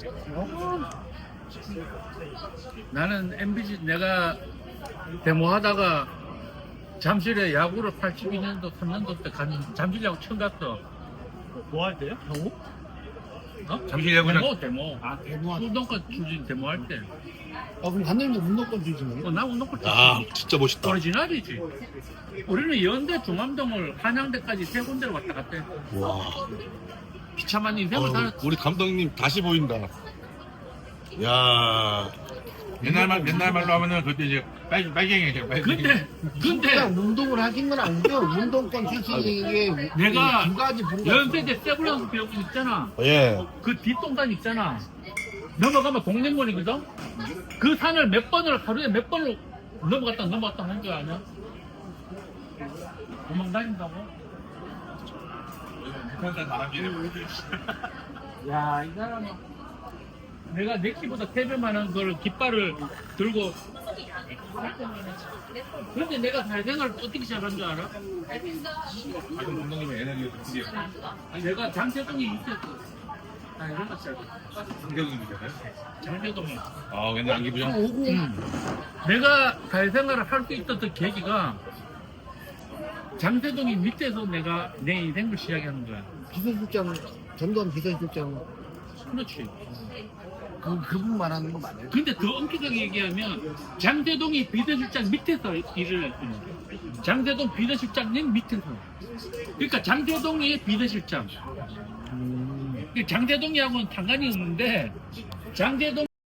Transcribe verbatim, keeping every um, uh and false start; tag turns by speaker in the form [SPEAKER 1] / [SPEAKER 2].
[SPEAKER 1] 나는 엠비씨 내가 데모하다가 잠실에 야구를 팔십이 년도, 삼 년도 때 간 잠실 야구 처음 갔어.
[SPEAKER 2] 뭐 할 때요? 경호?
[SPEAKER 1] 어?
[SPEAKER 3] 잠실 야구장.
[SPEAKER 1] 데모, 데모.
[SPEAKER 2] 아 대모한.
[SPEAKER 1] 운동권 출신 데모할 때.
[SPEAKER 2] 아 그럼 감독님도 운동권 주시네요?
[SPEAKER 1] 어, 나 운동권
[SPEAKER 3] 야,
[SPEAKER 1] 출신.
[SPEAKER 3] 진짜 멋있다.
[SPEAKER 1] 오리지널이지. 우리는 연대, 중암동을 한양대까지 세 군데를 왔다 갔다 했어.
[SPEAKER 3] 와.
[SPEAKER 1] 비참한 인생을
[SPEAKER 3] 어,
[SPEAKER 1] 살았지.
[SPEAKER 3] 우리 감독님 다시 보인다. 야.
[SPEAKER 4] 옛날 말 옛날 말로 하면은 그때 이제 빨 빨갱이죠. 빨갱이.
[SPEAKER 1] 근데, 근데
[SPEAKER 2] 그냥 운동을 하긴 건 아니죠. 운동권 출신에게
[SPEAKER 1] 내가
[SPEAKER 2] 두 가지 부류가
[SPEAKER 1] 연세대 세브란스 배우군 있잖아.
[SPEAKER 3] 예.
[SPEAKER 1] 그 뒷동산 있잖아. 넘어가면 동맹원이거든? 그 산을 몇 번을, 하루에 몇 번을 넘어갔다 넘어갔다 하는 줄 아냐? 도망 다닌다고?
[SPEAKER 4] 북한산 바람이네.
[SPEAKER 1] 야, 이 사람은 내가 내 키보다 세 배 많은 걸 깃발을 들고 그런데 내가 사회생활을 어떻게 시작한 줄 알아?
[SPEAKER 4] 아주 감독님의 에너지가 드디어
[SPEAKER 1] 내가 장태동이 있었어. 아, 이런 시작했어.
[SPEAKER 4] 성격이잖아요.
[SPEAKER 1] 장태동이.
[SPEAKER 4] 아, 옛날 안기부장.
[SPEAKER 2] 오고
[SPEAKER 1] 음. 내가 사회생활을 할 수 있었던 계기가 장태동이 밑에서 내가 내 인생을 시작하는 거야.
[SPEAKER 2] 비서실장 전두환 비서실장
[SPEAKER 1] 그렇지.
[SPEAKER 2] 그 그분 말하는 거 맞아요?
[SPEAKER 1] 근데 더 엄격하게 얘기하면 장태동이 비서실장 밑에서 일을 했어요. 장태동 비서실장님 밑에서. 그러니까 장태동이 비서실장.
[SPEAKER 2] 음.
[SPEAKER 1] 장태동이하고는 상관이 없는데 장태동